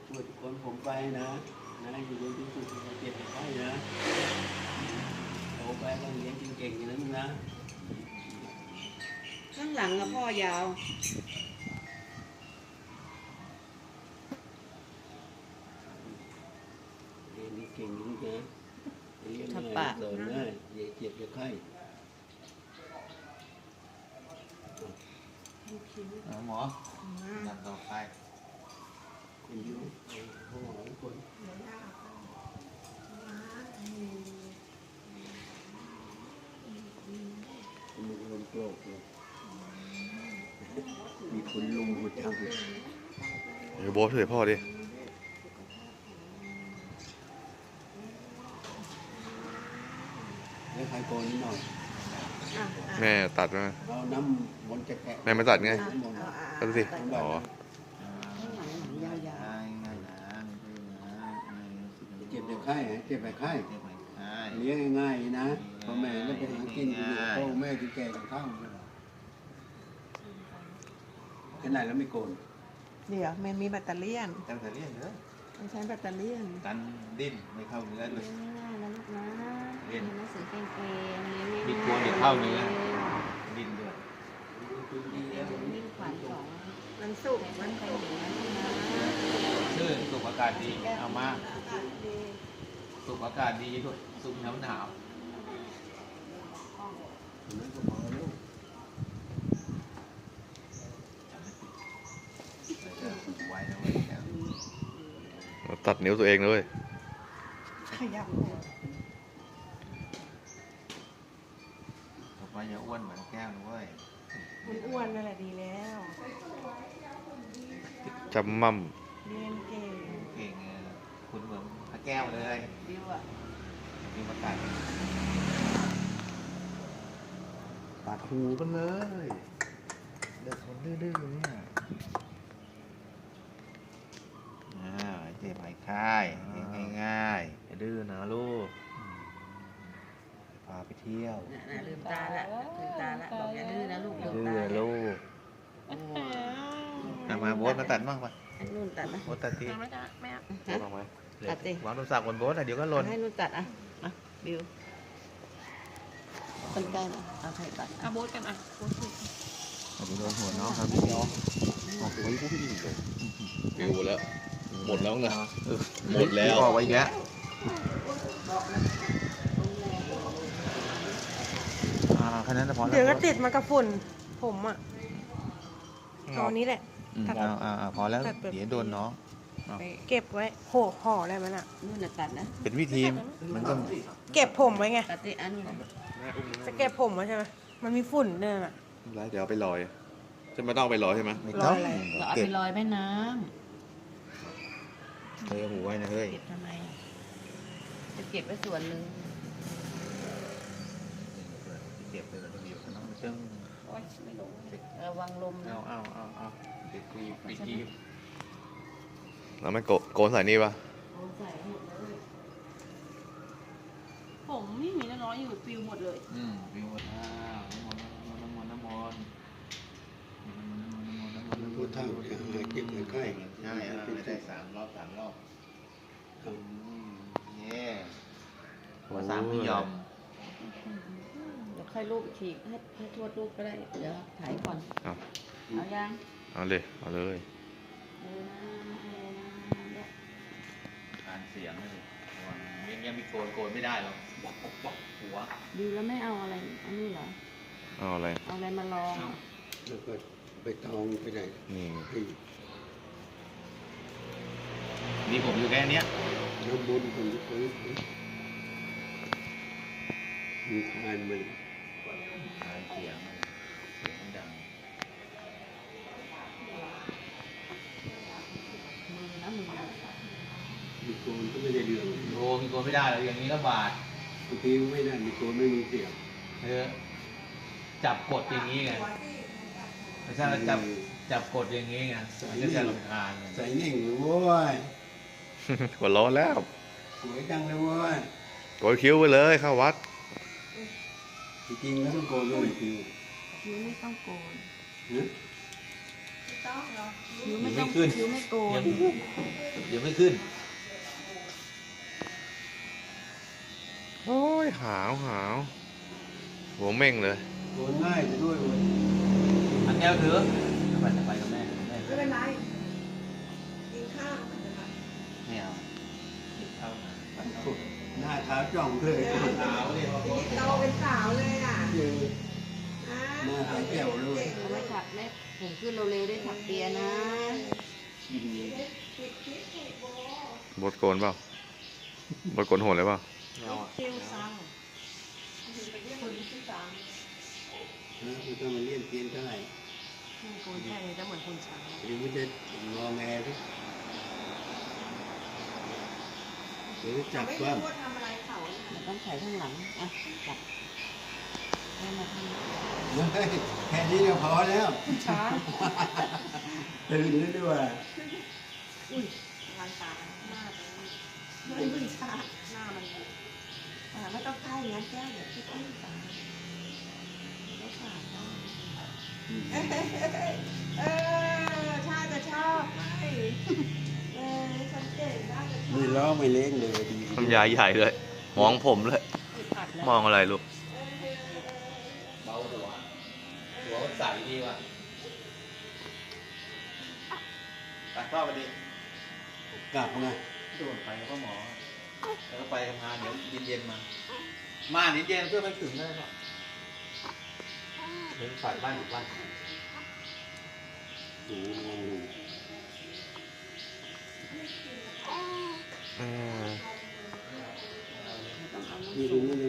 ช่วยทุกคนผมไปนะอยู่บนที่สุดเจ็บไปนะโตไปต้องเรียนเก่งๆอย่างนั้นนะข้างหลังอะพ่อยาวเรียนเก่งอย่างนี้นะเรียนง่ายสอนง่ายอย่าเจ็บอย่าไข้หมอลำต่อไปคนเยอะเขาหมอคนมีลมโกรกเลยมีคนลุมหัวใจเลยเดี๋ยวโบ๊ทช่วยพ่อดิแล้วใครโกนนิดหน่อยแม่ตัดมาเราน้ำมนต์จะแกะแม่มาตัดไงตัดสิอ๋อยาวเจ็บแต่ไข้เจ็บแต่ไข้เลี้ยงง่ายๆนะพ่อแม่แล้วไปหากินอยู่พ่อแม่ที่แก่กับข้าวขนาดแล้วไม่โกนเดี๋ยวมันมีแบตเตอรี่ยนตั้งแต่เรียนเลยมันใช้แบตเตอรี่ยนกันดิ้นไม่เข้าเนื้อเลยง่ายแล้วลูกนะเรียนหนังสือเก่งๆเรียนง่ายๆมีตัวเดี๋ยวเข้าเนื้อ ดิ้นด้วยดีแล้ววิ่งขวัญสองมันสุกมันไปถึงแล้วนะชื่อสุขอากาศดีเอามาสุขอากาศดีด้วยสุขหนาวนั้นก็พอแล้วไว้นะเว้ยตัดนิ้วตัวเองเลยขยับต่อไปอย่าอ้วนเหมือนแก้วนะเว้ยมันอ้วนนั่นแหละดีแล้วจำมั่มเรียนเก่งเก่งคุณเหมือนพระแก้วเลยดิวอะมีประกาศตัดหูกันเลยเด็กคนดื้อๆเนี่ยเจ็บหายคายง่ายๆดื้อนะลูกพาไปเที่ยวน่ะลืมตาละบอกอย่าดื้อนะลูกลืมดื้ตาอลูกมาโบ๊ทมาตัดบ้างปะให้นุ่นตัดนะโบ๊ทตัดทีไม่ได้ไม่เอาโบ๊ทเอาไหมตัดสิวางโทรศัพท์บนโบ๊ทเดี๋ยวก็หล่นให้นุ่นตัดอ่ะบิวคนใกล้นะเอาใครตัดเอาโบ๊ทกันอ่ะโบ๊ทสิไปโดนหัวน้องครับพี่น้องออกไว้พวกพี่ดิเดี๋ยวหมดแล้ว หมดแล้วไงหมดแล้วออกไว้อีกแล้วแค่นั้นพอแล้วเดี๋ยวก็ติดมากับฝุ่นผมอ่ะเอาอันนี้แหละพอแล้วเดี๋ยวโดนน้องเก็บไว้โหห่ออะไรมันอ่ะนุ่นน่ะตัดนะเป็นวิธีมันก็เก็บผมไว้ไงตัดสิอันนู้นจะเก็บผมไว้ใช่ไหมมันมีฝุ่นเนี่ยอ่ะเดี๋ยวเอาไปลอยจะไม่ต้องเอาไปลอยใช่ไหมไม่ต้องเราเอาเก็ไปบลอยแม่น้เฮ้ยหูไว้นะเฮ้ยำเก็บทำไมจะเก็บไว้ส่วนหนึ่งเก็บไปแล้วก็อยู่น้องเชิงโอ๊ยไม่ลงระวังลมนะเอาปิดทีบเราไม่โกนใส่นี่ปะเอาใส่หมดเลยผมไม่มีน้อยอยู่ปิวหมดเลยวิวน้ำมนต์พูดเท่าจะหายเจ็บหายไข้ใช่ไม่ได้3 รอบเย่หัว3ไม่ยอมเดี๋ยวค่อยรูปอีกทีให้ทวดรูปก็ได้ เดี๋ยวถ่ายก่อนเอาเอายังเอาเลยเอาเลยการเสียงเลยยังมีโกนไม่ได้หรอกหัวดูแล้วไม่เอาอะไรอันนี้เหรอเอาอะไรเอาอะไรมาลองแล้วก็ไปตองไปไหนนี่ให้นี่ผมอยู่แค่เนี้ยน้ำมนต์คนที่เขามีทานมันเสียงดังมือนะมือมีโกนก็ไม่ได้เรื่องโอ้มีโกนไม่ได้เลยอย่างนี้ลำบากบางทีไม่ได้มีโกนไม่มีเสียงจับกดอย่างนี้ไงไม่ใช่ว่าจับกดอย่างนี้ไงมันก็จะรำคาญใส่เน่งเลยเว้ยหัวร้อนแล้วสวยจังเลยเว้ยโกนคิ้วไปเลยเข้าวัดจริงๆแล้วต้องโกนด้วยคิวคิ้วไม่ต้องโกนนะตคิ้วไม่ต้องขึ้นคิ้วไม่โกนเดี๋ยวไม่ขึ้นโอ้ยหาวหัวเม่งเลยโกนง่ายด้วยเว้ยอันแก้วถือไปกับแม่ไม่เป็นไรกินข้าวไม่เอาหน้าขาวจ่องเลยขาวเนี่ยโตเป็นสาวเลยอ่ะเจอหน้าขาวแจ๋วเลยเขาไม่ถักแม่ผมขึ้นเร็วๆได้ถักเปียนะกินบดโกนเปล่าบดโกนโหดเลยเปล่าไม่เอาอะคิ้วซ้ำคนที่ซ้คือต้องมาเลี้ยนเตียนเท่าไหร่ำโกนแค่นี้จะเหมือนคนช้างหรือมันจะงอแงทุกหรือจับว่ามันต้องใส่ข้างหลังอ่ะจับให้มาทำแค่นี้ก็พอแล้วช้างตื่นแล้วด้วยทางตาหน้าไม่มึนชาหน้ามันไม่ต้องใกล้งั้นแก้วเดี๋ยวที่ใกล้ตาแล้วขาดได้ชาจะชอบไหมฉันเก่งได้จะชอบไม่ล้อไม่เล้งเลยดีทำยายใหญ่เลย มองผมเลยผัดแล้วมองอะไรลูกเบาหัวมันใสดีว่ะตัดข้าวไปดิกลับนะโดนไปแล้วก็หมอ แล้วก็ไปทำงานเดี๋ยวเย็นๆมาเย็นๆเพื่อไปถึงได้หรอเดินฝ่ายบ้านอยู่บ้านโอ้โหเออนี่ตรงนี้เลย